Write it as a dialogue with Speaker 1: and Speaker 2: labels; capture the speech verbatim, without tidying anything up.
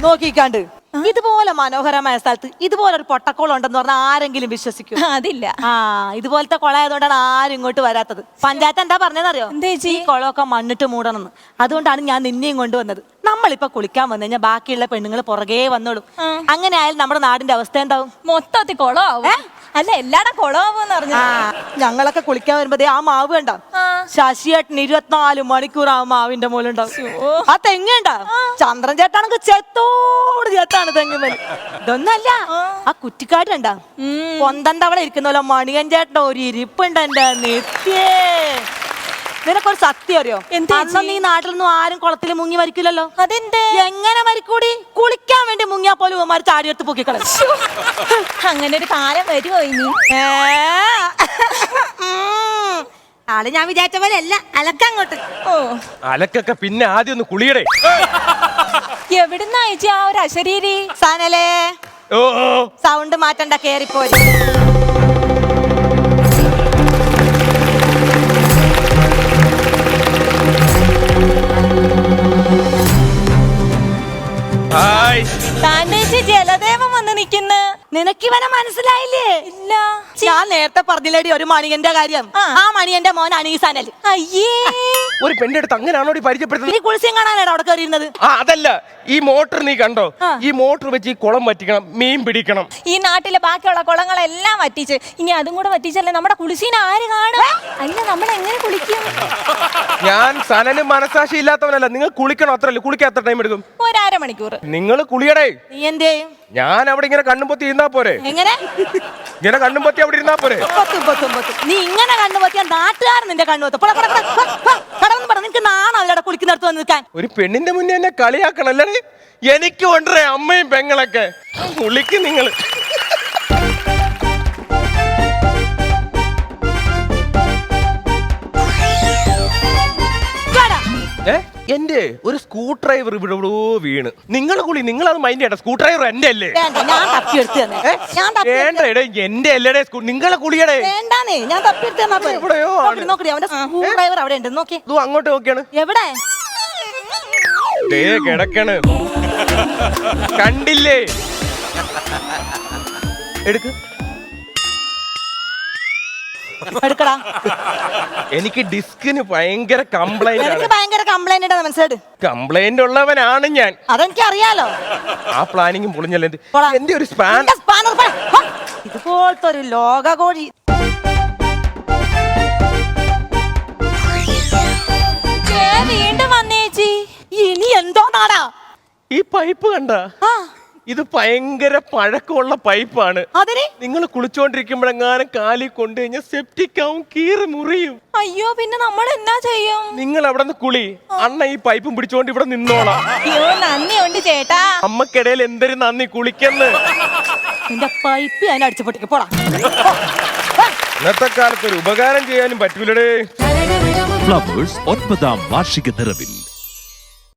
Speaker 1: നോക്കിക്കാണ്ട് ഇതുപോലെ മനോഹരമായ സ്ഥലത്ത് ഇതുപോലെ ഒരു പൊട്ടക്കോളം ഉണ്ടെന്ന് പറഞ്ഞാൽ ആരെങ്കിലും വിശ്വസിക്കും?
Speaker 2: അതില്ല.
Speaker 1: ആ ഇതുപോലത്തെ കുളമായതുകൊണ്ടാണ് ആരും ഇങ്ങോട്ട് വരാത്തത്. പഞ്ചായത്ത് എന്താ പറഞ്ഞതെന്നറിയോ? ഈ കുളമൊക്കെ മണ്ണിട്ട് മൂടണമെന്ന്. അതുകൊണ്ടാണ് ഞാൻ നിന്നെയും കൊണ്ടുവന്നത്. നമ്മളിപ്പൊ കുളിക്കാൻ വന്നു കഴിഞ്ഞാൽ ബാക്കിയുള്ള പെണ്ണുങ്ങൾ പുറകെ വന്നോളും. അങ്ങനെ ആയാലും നമ്മുടെ നാടിന്റെ അവസ്ഥ എന്താവും?
Speaker 2: മൊത്തത്തിൽ കുളമാവും. അല്ല എല്ലാടും കുളമാവെന്ന് പറഞ്ഞു.
Speaker 1: ഞങ്ങളൊക്കെ കുളിക്കാൻ വരുമ്പോ ആ മാവ് കണ്ട ശശിയേട്ടൻ ഇരുപത്തിനാല് മണിക്കൂർ ആ മാവിന്റെ മുകളുണ്ടാവും. ആ തെങ്ങുണ്ടാ ചന്ദ്രൻ ചേട്ടാണെങ്കിൽ ചെത്തോട് ചേത്താണ് തെങ്ങുമേൽ. ഇതൊന്നല്ല ആ കുറ്റിക്കാട്ടുണ്ടാ പൊന്തന്റെ അവിടെ ഇരിക്കുന്ന മണിയൻ ചേട്ടൻ ഒരു ഇരിപ്പുണ്ട് എന്റെ നിത്യേ. നിനക്കൊരു സത്യം അറിയോ? അന്ന് നീ നാട്ടിലൊന്നും ആരും കുളത്തിൽ മുങ്ങി മരിക്കില്ലല്ലോ.
Speaker 2: അതെന്ത്?
Speaker 1: എങ്ങനെ മരിക്കൂടി? കുളിക്കാൻ വേണ്ടി മുങ്ങിയാ പോലും ഉമ്മാർ ചാടിയെടുത്ത് പൊക്കിക്കളയും.
Speaker 2: അങ്ങനെ ഒരു കാലം വരുമോ ഇനി?
Speaker 1: ആള് ഞാൻ വിചാരിച്ച പോലെ അല്ല. അലക്കങ്ങോട്ട്.
Speaker 2: ഓ
Speaker 3: അലക്കൊക്കെ പിന്നെ ആദ്യം ഒന്ന് കുളിയടേ.
Speaker 2: എവിടുന്നാ ചേച്ചി ആ ഒരു അശരീരി?
Speaker 1: സാനലേ
Speaker 3: ഓ
Speaker 1: സൗണ്ട് മാറ്റണ്ട, കേറിപ്പോരി.
Speaker 2: ജലദേവൻ വന്ന് നിക്കുന്ന.
Speaker 1: നിനക്കിവനെ മനസ്സിലായില്ലേ?
Speaker 2: ഇല്ല.
Speaker 1: ഞാൻ നേരത്തെ പറഞ്ഞില്ലേടി ഒരു മണിയന്റെ കാര്യം. ആ മണിയന്റെ മോൻ അനീസാനൽ.
Speaker 2: അയ്യേ,
Speaker 3: ഒരു പെണ്ണിന്റെ അടുത്ത് അങ്ങനെയാണോ പരിചയപ്പെടുത്തുന്നത്?
Speaker 1: നീ കുളിച്ചും കാണാനാണ് അവിടെ കയറിയിരുന്നത്.
Speaker 3: ആ അതല്ല, ഈ മോട്ടർ നീ കണ്ടോ? ഈ മോട്ടർ വെച്ച് ഈ കുളം വറ്റിക്കണം, മീൻ പിടിക്കണം.
Speaker 2: ഈ നാട്ടിലെ ബാക്കിയുള്ള കുളങ്ങളെല്ലാം വറ്റിച്ച് ഇനി അതും കൂടെ വറ്റിച്ചല്ലേ നമ്മുടെ കുളിസീന ആര് കാണും? അല്ല നമ്മൾ എങ്ങനെ കുളിക്കും?
Speaker 3: ഞാൻ സനന് മനസാക്ഷി ഇല്ലാത്തവനല്ല. നിങ്ങൾ കുളിക്കണം, അത്രല്ലേ? കുളിക്കാൻ എത്ര ടൈം എടുക്കും?
Speaker 2: ഒരര മണിക്കൂർ.
Speaker 3: നിങ്ങൾ കുളിയടേ.
Speaker 1: നീ എന്തേ?
Speaker 3: ഞാൻ അവിടെ ഇങ്ങനെ കണ്ണും പൊത്തി ഇരുന്നാ പോരെ?
Speaker 1: എങ്ങനെ
Speaker 3: ഇങ്ങനെ കണ്ണും പൊത്തി അവിടെ ഇരുന്നാ പോരെ?
Speaker 1: നീ ഇങ്ങനെ കണ്ണു പൊത്തിയാ നാട്ടുകാരൻ നിന്റെ കണ്ണു പൊത്തും. നിനക്ക് നാണോ അവിടെ കുളിക്കുന്നിടത്ത് വന്ന് നിൽക്കാൻ?
Speaker 3: ഒരു പെണ്ണിന്റെ മുന്നേ എന്നെ കളിയാക്കണല്ലേ? എനിക്ക് കൊണ്ടേ അമ്മയും പെങ്ങളൊക്കെ കുളിക്ക് നിങ്ങൾ. എന്റെ ഒരു സ്ക്രൂ ഡ്രൈവർ ഇവിടെ ഇവിടെ വീണ്. നിങ്ങൾ കുളി, നിങ്ങൾ അത് മൈൻഡ് ചെയ്യണ്ട. സ്ക്രൂ ഡ്രൈവർ എന്റെ അല്ലേ? വേണ്ട എടേ, എന്റെ അല്ലേടേ. നിങ്ങളെ കുളിയടേ. അങ്ങോട്ട് നോക്കിയാണ്.
Speaker 1: എവിടെ
Speaker 3: കിടക്കണ് കണ്ടില്ലേ? എടുക്ക്.
Speaker 1: എടുക്കടാ.
Speaker 3: എനിക്ക് ഡിസ്കിന് ഭയങ്കര കംപ്ലൈന്റ്.
Speaker 1: ഭയങ്കര കംപ്ലൈന്റ് മനസ്സിലായിട്ട്
Speaker 3: കംപ്ലൈന്റ് ഉള്ളവനാണ് ഞാൻ.
Speaker 1: അതെനിക്ക് അറിയാലോ.
Speaker 3: ആ പ്ലാനിങ്ങും പൊളിഞ്ഞല്ലേ എന്റെ ഒരു സ്പാൻ.
Speaker 1: ഇതുപോലത്തെ ഒരു ലോക കോഴി.
Speaker 2: വീണ്ടും വന്നേച്ചി.
Speaker 1: ഇനി എന്തോ നാടാ
Speaker 3: ഈ പൈപ്പ് കണ്ട? ഇത് ഭയങ്കര പഴക്കമുള്ള പൈപ്പാണ്.
Speaker 1: അതിന്
Speaker 3: നിങ്ങൾ കുളിച്ചോണ്ടിരിക്കുമ്പോഴെങ്ങാനും കാലി കൊണ്ടു കഴിഞ്ഞാൽ സെപ്റ്റിക് ആവും, കീറി മുറിയും.
Speaker 2: അയ്യോ, പിന്നെ നമ്മൾ എന്നാ ചെയ്യും?
Speaker 3: നിങ്ങൾ അവിടെ നിന്ന് കുളി, അണ്ണ ഈ പൈപ്പും പിടിച്ചോണ്ട് ഇവിടെ നിന്നോളാം.
Speaker 2: അയ്യോ നന്ദി ഉണ്ട് ചേട്ടാ.
Speaker 3: അമ്മക്കിടയിൽ എന്തൊരു നന്ദി. കുളിക്കെന്ന്
Speaker 1: എന്റെ പൈപ്പ് ഞാൻ അടിച്ചു പൊട്ടിക്ക്. പോടാ.
Speaker 3: ഇന്നത്തെ കാലത്ത് ഒരു ഉപകാരം ചെയ്യാനും പറ്റൂലടേ.
Speaker 4: ഫ്ലവേഴ്സ് ഒൻപതാം വാർഷിക നിറവിൽ